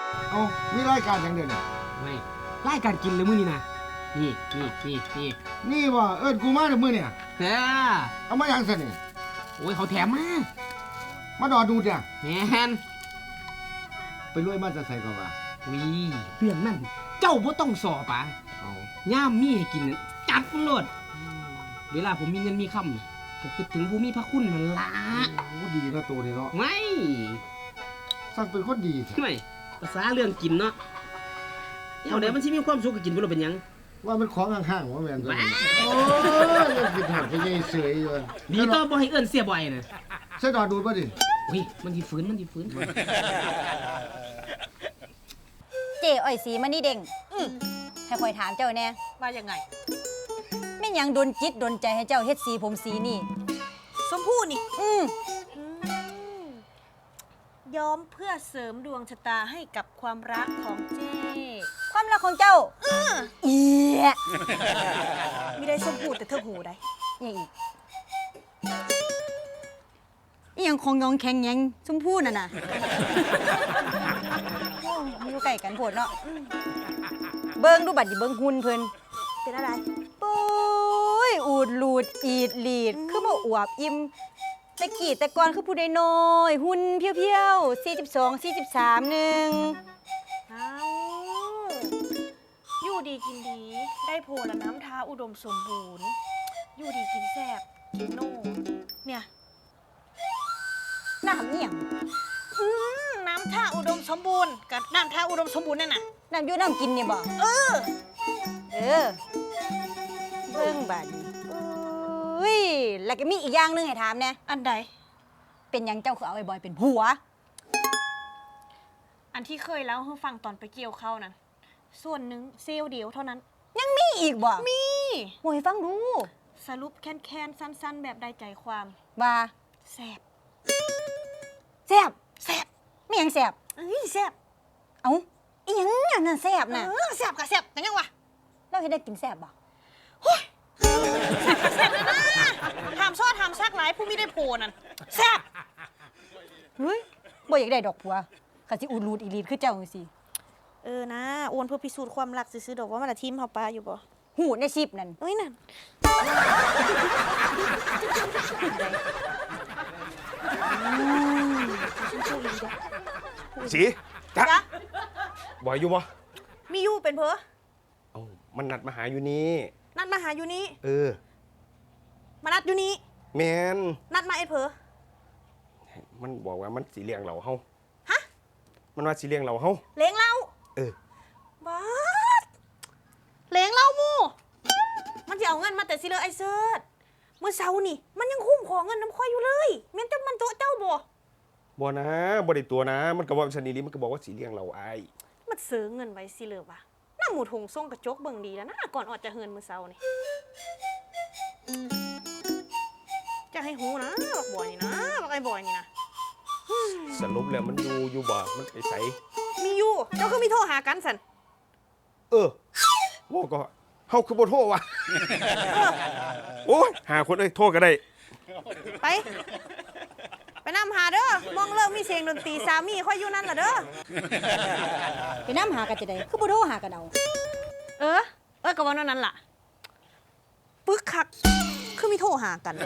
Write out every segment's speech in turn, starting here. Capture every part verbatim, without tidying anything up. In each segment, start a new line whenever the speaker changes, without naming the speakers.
เอามีรายการอย่างเดียวนี่
ไม่รายการกินเลยมื้อนี้นะนี่นี่นี่นี่
นี่ว่าเอิ้นกูมาเดี๋ยวมื้อเนี่ย
แท้
เอามาอย่างซะนี่
โอ้ยเขาแถมมา
มาดอดูดเนี่ย
แม่น
ไปรวยมาจะใส่ก่อนว่า
วิเรื่องนั้นเจ้าบ่ต้องสอบป่ะ
เอา
ย่ามมีให้กินจัดมันโลดเวลาผมมีเงินมีคำก็คือถึงผู้มีพระคุณมันละ
โอ้ดีนะตัวนี้เนาะ
ไม่
สั่งเป็นคนดี
ไม่ภาษาเรื่องกินเนาะเอาเดี๋ยวมันสิมีความสุขกับกินบ่รู้เป็นหยัง
ว่ามันของข้างๆว่าแม่นตัวนี้โอ้ยยังกินหอดไปยัยเสยอยู่
ดีต่อบ่ให้เอิ้นเสียบ่อยน่ะ
ใส่ดอดูดบ่ดิ
อุ้ยมันสิฟื้นมันสิฟื้น
เจ๊อ้อยสีมันนี่เด้งให้คอยถามเจ้าแน่
ว่ายังไง
แม่นหยังดนจิตดนใจให้เจ้าเฮ็ดสีผมสีนี่
ชมพู่นี่
อืม
ย้อมเพื่อเสริมดวงชะตาให้กับความรักของเจ้
ความรักของเจ้าเอีย
ไม่ได้ชมพู่แต่เธอหูได้
ยังอีกอีหยังของยองแข็งยังชมพู่น่ะน่ะโอ้อยู่ใกล้กันโพดเนาะเบิ่งดูบัดดิเบิ่งหุ่นเพิ่น
เป็นอะไร
ปุ้ยอูดลูดอีดลีดคือบ่อวบอิ่มแต่กี้แต่ก่อนคือผู้ใดน้อยหุ่นเพียวๆสี่สิบสอง สี่สิบสามนึง
อ้าวอยู่ดีกินดีได้โพละน้ำทาอุดมสมบูรณ์อยู่ดีกินแซ่บกินโน่เนี่ย
น้ำเอี่ยง
น้ำท่าอุดมสมบูรณ์กับน้ำท่าอุดมสมบูรณ์นั่นน่ะ
น้ำอยู่น้ำกินเนี่ยบ่
เออ
เออเบิ่งบาดนี้อุ้ยแล้วก็มีอีกอย่างนึงให้ถามแน่
อันใด
เป็นหยังเจ้าคือเอาไอ้บอยเป็นผัว
อันที่เคยเล่าให้ฟังตอนไปเกี่ยวเข้านั้นส่วนหนึ่งเซลเดียวเท่านั้น
ยังมีอีกบ่
มี
โวยฟังดู
สรุปแค้นๆสั้นๆแบบได้ใจความ
ว่า
แซ่บ
แซ่บ
แซ่บ
ไม่ยังแซ่บ
เอ้ยแซ่บ
เอ้าอีหยังอันนั้นแซ่บน่ะ
เออแซ่บก็แซ่บแต่ยังวะ
เราเฮ็ดได้กินแซ่บบ่
โอ้ยแซ่บก็แซ่บเลยนะถามซอดถามซักหลายผู้มีได้โพนั่นแซ่บ
เฮ้ยบ่อยากได้ดอกผัวก็สิอูดรูดอีลีดคือเจ้าจังซี่
เออนะโอนเพื่อพิสูจน์ความรักซื้อๆดอกว่ามันละทีมเฮาปลาอยู่บ่
หูในชิปนั่น
เอ้ยนั่น
สีจ๊ะบ่อยอยู่บ่
มีอยู่เป็นเพอ
เอ้ามันนัดมาหาอยู่นี่
นัดมาหาอยู่นี่
เออ
มานัดอยู่นี่
แมน
นัดมาไอ้เพอ
มันบอกว่ามันสีเลี้ยงเราเฮา
ฮะ
มันว่าสีเลี้ยงเราเฮา
เลี้ยงเรา
เออ
บ้าเลี้ยงเรามูมันจะเอาเงินมาแต่สิเลยไอ้เซิร์ชเมื่อเช้านี่มันยังคุ้มของเงินน้ำค่อยอยู่เลยแม่นแต่มันโตเจ้าบ่
บ่นะบ่ได้ตัวนะมันก็ว่าชนิดนี้มันก็บอกว่าสีเลี้ยงเราไอ้
มันซื้อเงินไว้สิเลยวะหน้าหมูทงส่งกระจกเบิ่งดีแล้วนะก่อนออกจะเฮินเมื่อเช้านี่จะให้หูนะบอกบ่อยนี่นะบอกไอ้บ่อยนี่นะ
สรุปแล้วมันอยู่อยู่บ่มันไปใส
มีอยู่เจ้าคือมีโทรหากันสัน
เออว่าก็เฮาคือบ่โทรว่ะโอ้ยหาคนเอ้ยโทรก็ได้
ไปไปนำหาเด้อมองเลิกมีเสียงดนตรีสามีค่อยอยู่นั่นล่ะเด้อ
ไปนำหากันจะได้คือบ่โทรหากันเอา
เออเออก็ว่านั้นล่ะปึกคักคือมีโทรหากัน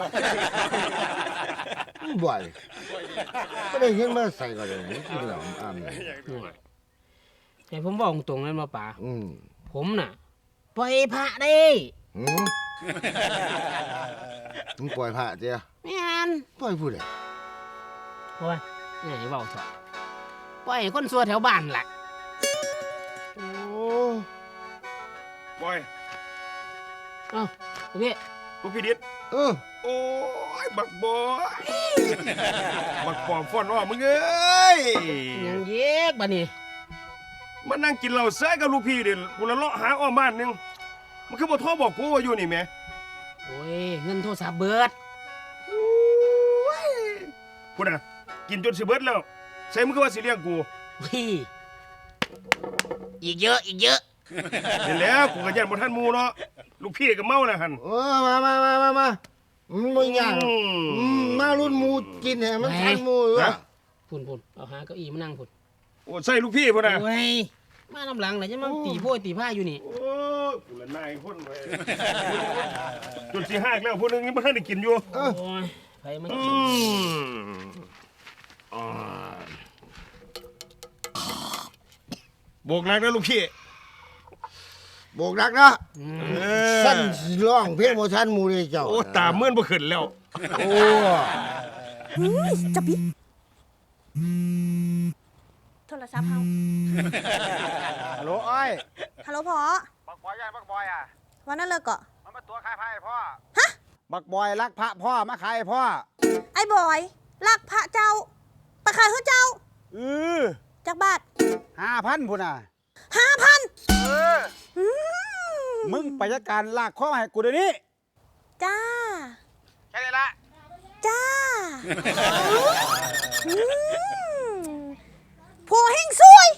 บ่อยก็ได้เห็นมาใส่ก็ได้กินแล้วอ้ำ
แต่ผมบอกตรงนั้นมาป่า
อืม
ผมน่ะปล่อยพระได้
อืมมึงปล่อยพระเจ้า
แม่น
ปล่อยผู้ใด
โอ้ยนี่เว้าเถอะปล่อยคนซัวแถวบ้านล่ะ
โอ้
บอย
เอ้าพี่
ลูกพี่ดิษ
เออ
โอ้ยบักบอยบักปอมฟ้อนว่ามึงเอ้ย
ยังเย็กบัดนี้
มานั่งกินเหล้าเซ้ยกับลูกพี่เดี๋ยวกูละเลาะหาอ้อมบ้านนึงมันคือบ่โทรบอกกูว่าอยู่นี่แม่
โอ้ยเงินโทรศัพท์เบิด
พูดนะกินจนสิเบิดแล้วใส่มึงก็ว่าสิเลี้ยงกู
พี่อีกเยอะอีกเยอะ
เห็นแล้วกูก็ยันบ่ทันหมู่เนาะลูกพี่ก็เมาแล้วหั่น
เออมามามามามามันบ่ยากมารุ่นหมู่กินให้มันทันหมู่
อ่ะพุ่นๆเอาหาเก้าอี้มานั่งพุ่น
โอ้ใส่ลูกพี่พุ่นน่ะ
โอ้ยมาลำหลังเลยจะมาตีโพยตีผ้าอยู่นี่
โอ้กูละนายคนเว้ยจุดสิหักแล้วผู้นึงยังบ่ทันได้กินอยู่
โอ้ยใครมัน
อืมอ่าโบกหนักนะลูกพี่
โบกรักนะ
เออ
สั้นสิร้องเพลงบ่ทันหมู่เลยเจ้า
โอ้ตาเมื่อนบ่ขึ้นแล้ว
โอ้
จะปิดโทรศัพท์เฮา
ฮัลโหลอ้อย
ฮัลโหลพ่อ
บักบอยย่านบักบอยอ่ะ
วันนั้นเลิกเกาะ
มันมาตัวขายไพ่พ่อ ฮะ บักบอยรักพระพ่อมาขายให้พ่อ
ไอ้บอยลักพระเจ้าไปขายให้เจ้า
เออ
จากบาท
ห้าพันพุ่นอ่ะ
ห้าพัน
เออ มึงไปจัดการลากข้อมาให้กูเดี๋ยวนี้
จ้า
แค่นี้ละ
จ้าอืมผัวเฮงซุย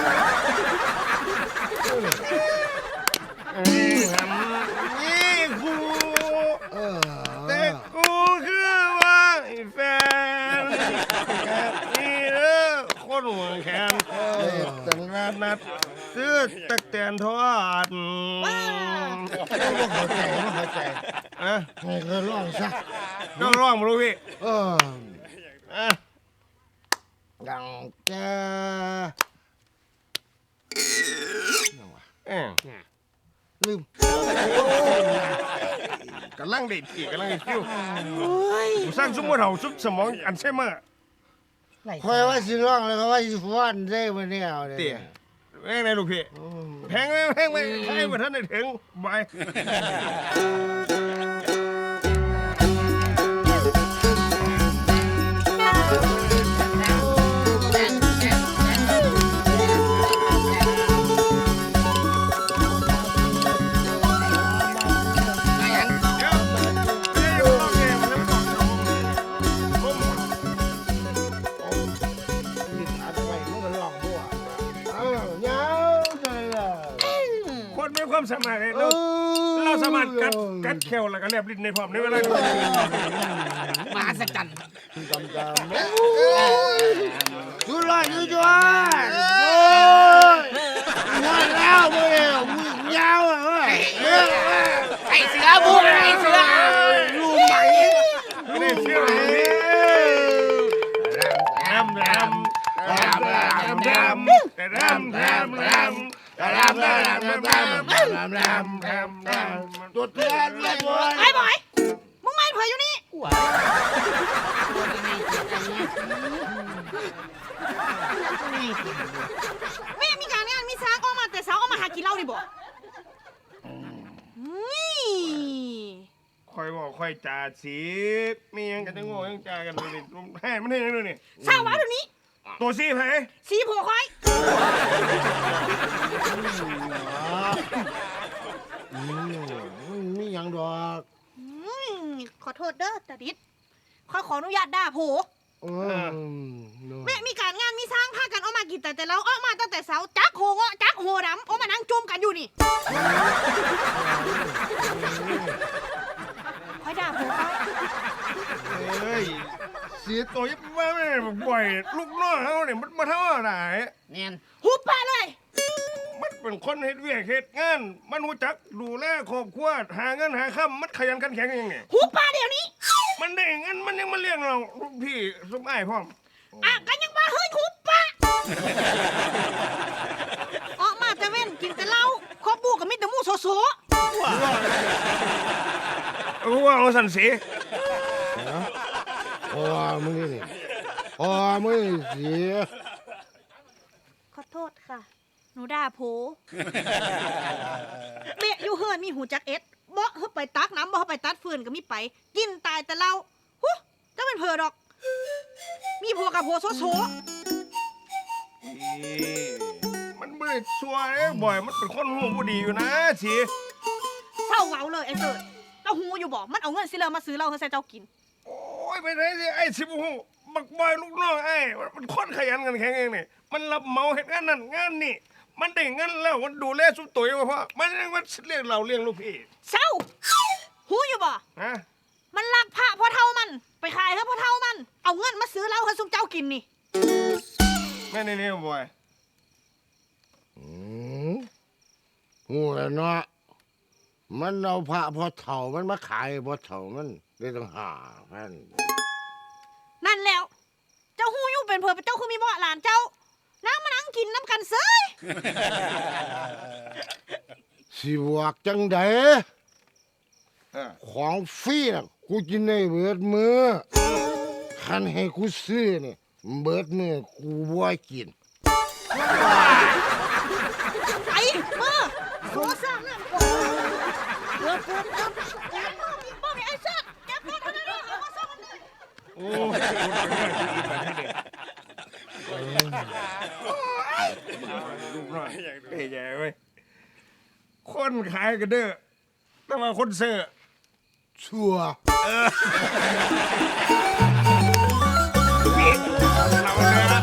นี่กู
เออ
แต่กูคือว่าไอ้แฟนแบบนี้เด้อคนหัวแขนแต่งงานนัดซื้อตะแตนทอด
บ่เข้าใจบ่เข้าใจ
อ่ะ
ให้เขาร้องซะ
ต้องร้องมาลูกพี่
เออ
อ่ะ
ดังแก
เอ้ย
ลืม
กำลังเด็ดอีกกำลังเด็ดคิวกูสร้างซุ้มหัวเห่าซุปสมองอันใช่ไหมอร์
ไหล
คอยว่าสิร้องแล้วก็ว่าสิฟ้อนได้บ่แนวเนี่ย
เตี๋ยแพงไหนลูกพี่
อืม
แพงไหมแพงไหมใครมาท่านได้ถึงบาย
อัดไว้มันก็ร้องบ่เออยาวเลยล่ะ
คนมีความสามารถเราเราสามารถกัดกัดแควแล้วก็แลบลิ้นในพร้อมในเวลา
มหัศจรรย์
จำจำจุดละจุดจุดโอ้ยงานแล้วมึงเนี่ยมึงยาวอ่ะเว้ย
ไอ้เสือบุกไอ้เสือ
ลูกใหม่
นี่เชื่อแรมแรมแรมแรมแรมแรมแรมแรมแรมแรมแรมแรมแรมแรมแรมแรม
ตัวเตือนเลยบอย
ไอ้บอย มึงไม่เผยอยู่นี่
ว้าตัวยังไงเจ็บกันเนี่ย
แม่มีการงานมีสร้างออกมาแต่สาวออกมาหากินเหล้าดิบ่นี่
คอยบอกคอยจ่าสีมียังกันจะโง่ยังจ่ากันเลยให้มันให้ยังด้วยนี่
สาววะเดี๋ยวนี้
ตัวซีไผ
สีผัวคอย
อืมมีหยังดอก
อืมขอโทษเด้อตาดิดขอขออนุญาตด่าโผ
อืม
แม่มีการงานมีสร้างพากันออกมากินแต่แต่เราออกมาตั้งแต่เสาจักโหเงาะจักโหดำออกมานั่งจุ่มกันอยู่นี่คอยด่าโผคอย
เฮ้ยเสียตัวยับว่าไม่บ่อยลูกน้องเขาเนี่ยมันมาเท่าไหร่
เนียน
หุบปากเลย
มันเป็นคนเฮ็ดเวียกเฮ็ดงานมันรู้จักดูแลครอบครัวหาเงินหาค่ำมันขยันขันแข็งยังไง
หุบปากเดี๋ยวนี้
มันได้เงินมันยังมาเลี้ยงเราลูกพี่สมอ้ายพร้อม
อ่ะกันยังมาเฮ้ยหุบปากออกมาแต่เว้นกินแต่เหล้าครอบบูกับมิตรมูโซโซ
เอาว่าเอาสันสี
โอ้มึงนี่นี่โอ้มึงนี่เสีย
ขอโทษค่ะ หนูด่าโผเบะอยู่เฮือนมีหูจักเอ็ดบ่เฮาไปตักน้ำบ่เฮาไปตัดฟืนก็มีไป กินตายแต่เหล้าหูจะเป็นเพอดอก มีผัวกับผัวโซโซ
มันไม่ได้ชัวร์เอ้บ่อยมันเป็นคนหูบ่ดีอยู่นะสี
เศร้าเว้าเลยไอ้เสิร์ตเจ้าหูอยู่บ่มันเอาเงินสิเลอมาซื้อเหล้าให้ใส่เจ้ากิน
โอ้ยไปไหนสิไอ้สิบหูบักบอยลูกน้องไอ้มันคนขยันกันแข็งเองนี่มันรับเหมาเฮ็ดงานนั่นงานนี่มันได้เงินแล้วมันดูแลสุดตัวเองเพราะมันยังมันเลี้ยงเราเลี้ยงลูกพี่
เศร้าหูอยู่บ่
ฮะ
มันลักพระพ่อเท่ามัน ไปขายให้พ่อเท่ามัน เอาเงินมาซื้อเหล้าให้ซุมเจ้ากินนี่
แม่นี่นี่บอย
อืมหูแล้วเนาะมันเอาพระพอเถ่ามันมาขายพอเถ่ามันได้ตั้งห้าพัน
นั่นแล้ว เจ้าฮู้อยู่เป็นเผื่อเจ้าคือมีบ่หลานเจ้านั่งมานั่งกินน้ำกันเซย
สิบวกจังใด
เออ
ของฟรีน่ะกูกินได้เบิดมือคันให้กูซื้อนี่เบิดมือกูบ่กิน
ไอ้มือโซ่ซ้ำนั่นเกือบเกือบเกือบแกมือมีบ่มีไอ้เซิร์แกมือเท่านั้นเองเอามาซ้ำกันเลย
โอ้ลูกน้อยเอ้ยใหญ่เว้ยคนขายก็เด้อแต่ว่าคนซื้อ
ชัวร์
เราเนี่ย